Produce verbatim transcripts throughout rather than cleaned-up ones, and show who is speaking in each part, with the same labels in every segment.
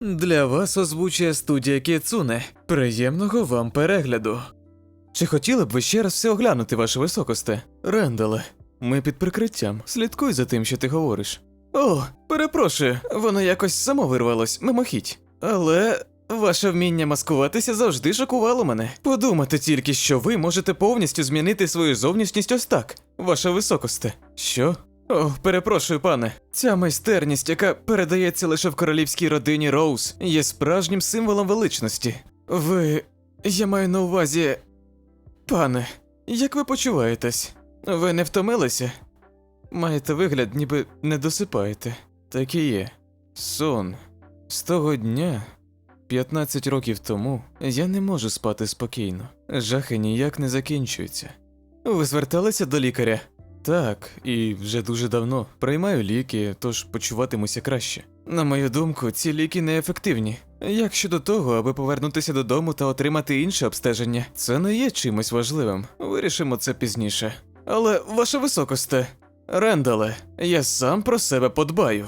Speaker 1: Для вас озвучує студія Кіцуне. Приємного вам перегляду. Чи хотіли б ви ще раз все оглянути, ваше високосте? Рендале, ми під прикриттям. Слідкуй за тим, що ти говориш. О, перепрошую, воно якось само вирвалось, мимохідь. Але ваше вміння маскуватися завжди шокувало мене. Подумати тільки, що ви можете повністю змінити свою зовнішність ось так, ваше високосте. Що? О, перепрошую, пане. Ця майстерність, яка передається лише в королівській родині Роуз, є справжнім символом величності. Ви... я маю на увазі... Пане, як ви почуваєтесь? Ви не втомилися? Маєте вигляд, ніби не досипаєте. Так і є. Сон. З того дня, п'ятнадцять років тому, я не можу спати спокійно. Жахи ніяк не закінчуються. Ви зверталися до лікаря? Так, і вже дуже давно. Приймаю ліки, тож почуватимуся краще. На мою думку, ці ліки неефективні. Як щодо того, аби повернутися додому та отримати інше обстеження, це не є чимось важливим. Вирішимо це пізніше. Але, ваше високосте, Рендале, я сам про себе подбаю.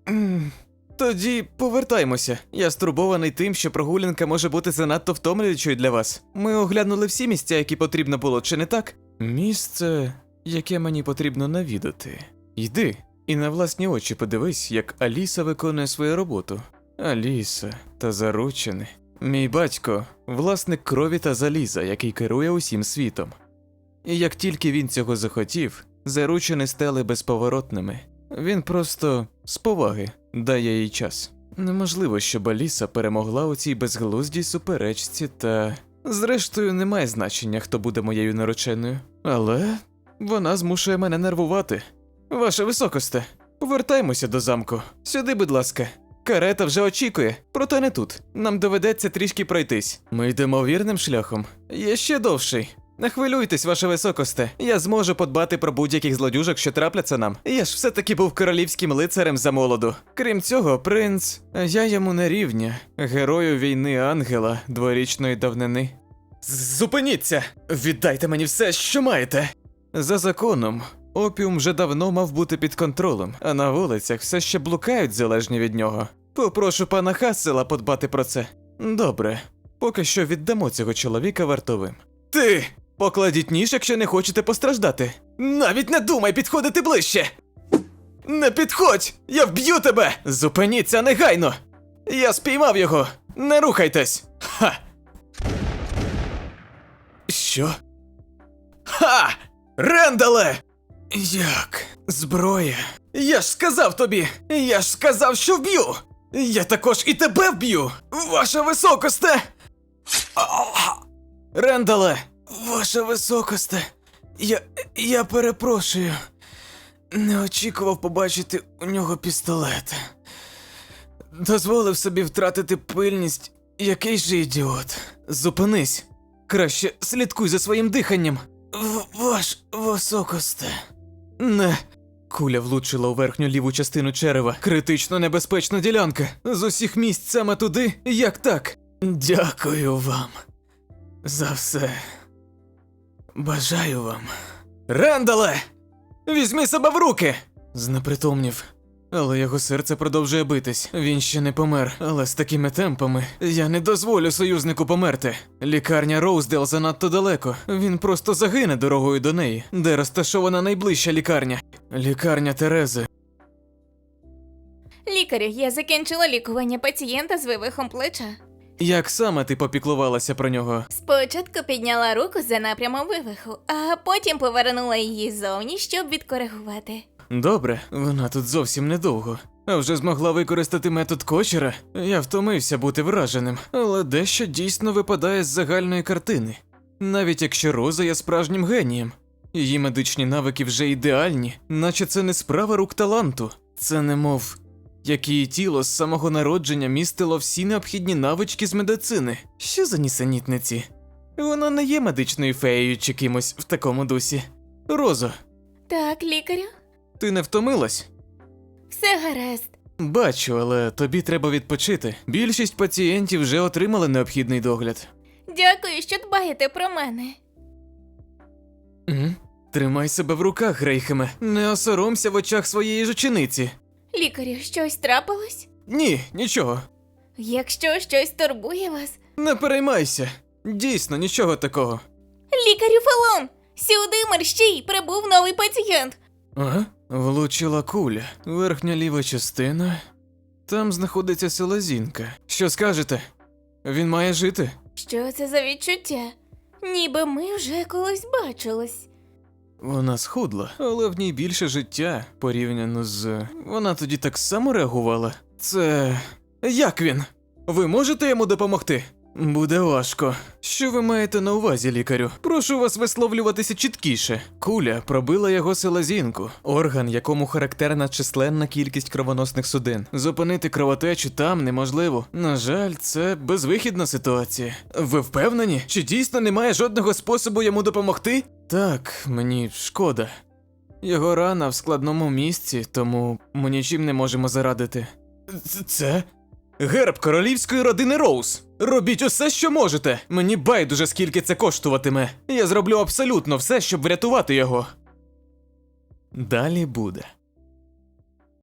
Speaker 1: М, Тоді повертаймося. Я стурбований тим, що прогулянка може бути занадто втомлюючою для вас. Ми оглянули всі місця, які потрібно було, чи не так? Місце, яке мені потрібно навідати. Йди і на власні очі подивись, як Аліса виконує свою роботу. Аліса та заручений. Мій батько – власник крові та заліза, який керує усім світом. І як тільки він цього захотів, заручені стали безповоротними. Він просто з поваги дає їй час. Неможливо, щоб Аліса перемогла у цій безглуздій суперечці та... Зрештою, немає значення, хто буде моєю нареченою. Але вона змушує мене нервувати. Ваше високосте, повертаймося до замку. Сюди, будь ласка. Карета вже очікує, проте не тут. Нам доведеться трішки пройтись. Ми йдемо вірним шляхом. Є ще довший. Не хвилюйтесь, ваше високосте. Я зможу подбати про будь-яких злодюжок, що трапляться нам. Я ж все-таки був королівським лицарем за молоду. Крім цього, принц... Я йому не рівня. Герою війни ангела дворічної давнини. Зупиніться! Віддайте мені все, що маєте! За законом, опіум вже давно мав бути під контролем, а на вулицях все ще блукають залежні від нього. Попрошу пана Хассела подбати про це. Добре, поки що віддамо цього чоловіка вартовим. Ти! Покладіть ніж, якщо не хочете постраждати. Навіть не думай підходити ближче! Не підходь! Я вб'ю тебе! Зупиніться негайно! Я спіймав його! Не рухайтесь! Ха! Що? Ха! Рендале! Як? Зброя? Я ж сказав тобі! Я ж сказав, що вб'ю! Я також і тебе вб'ю! Ваше високосте! Рендале! Ваше високосте! Я... я перепрошую. Не очікував побачити у нього пістолет. Дозволив собі втратити пильність. Який же ідіот. Зупинись. Краще слідкуй за своїм диханням. В ваш високосте. Не. Куля влучила у верхню ліву частину черева. Критично небезпечна ділянка. З усіх місць саме туди, як так. Дякую вам за все. Бажаю вам. Рендале! Візьми себе в руки! Знепритомнів. Але його серце продовжує битись. Він ще не помер, але з такими темпами я не дозволю союзнику померти. Лікарня Роуздейл занадто далеко. Він просто загине дорогою до неї, де розташована найближча лікарня. Лікарня Терези.
Speaker 2: Лікарю, я закінчила лікування пацієнта з вивихом плеча.
Speaker 1: Як саме ти попіклувалася про нього?
Speaker 2: Спочатку підняла руку за напрямом вивиху, а потім повернула її зовні, щоб відкоригувати.
Speaker 1: Добре, вона тут зовсім недовго. А вже змогла використати метод Кочера? Я втомився бути враженим, але дещо дійсно випадає з загальної картини. Навіть якщо Роза є справжнім генієм. Її медичні навики вже ідеальні, наче це не справа рук таланту. Це немов, як її тіло з самого народження містило всі необхідні навички з медицини. Що за нісенітниці? Вона не є медичною феєю чи кимось в такому дусі. Розо,
Speaker 2: Так, лікарю?
Speaker 1: ти не втомилась?
Speaker 2: Все гаразд.
Speaker 1: Бачу, але тобі треба відпочити. Більшість пацієнтів вже отримали необхідний догляд.
Speaker 2: Дякую, що дбаєте про мене.
Speaker 1: Угу. Тримай себе в руках, Грейхеме. Не осоромся в очах своєї ж учениці.
Speaker 2: Лікарю, щось трапилось?
Speaker 1: Ні, нічого.
Speaker 2: Якщо щось турбує вас.
Speaker 1: Не переймайся. Дійсно, нічого такого.
Speaker 2: Лікарю Фелон! Сюди мерщій! Прибув новий пацієнт!
Speaker 1: Ага. Влучила куля. Верхня ліва частина. Там знаходиться селезінка. Що скажете? Він має жити?
Speaker 2: Що це за відчуття? Ніби ми вже колись бачились.
Speaker 1: Вона схудла, але в ній більше життя порівняно з. Вона тоді так само реагувала. Це. Як він? Ви можете йому допомогти? Буде важко. Що ви маєте на увазі, лікарю? Прошу вас висловлюватися чіткіше. Куля пробила його селезінку, орган, якому характерна численна кількість кровоносних судин. Зупинити кровотечу там неможливо. На жаль, це безвихідна ситуація. Ви впевнені? Чи дійсно немає жодного способу йому допомогти? Так, мені шкода. Його рана в складному місці, тому ми нічим не можемо зарадити. Ц- Це? Герб королівської родини Роуз. Робіть усе, що можете. Мені байдуже, скільки це коштуватиме. Я зроблю абсолютно все, щоб врятувати його. Далі буде.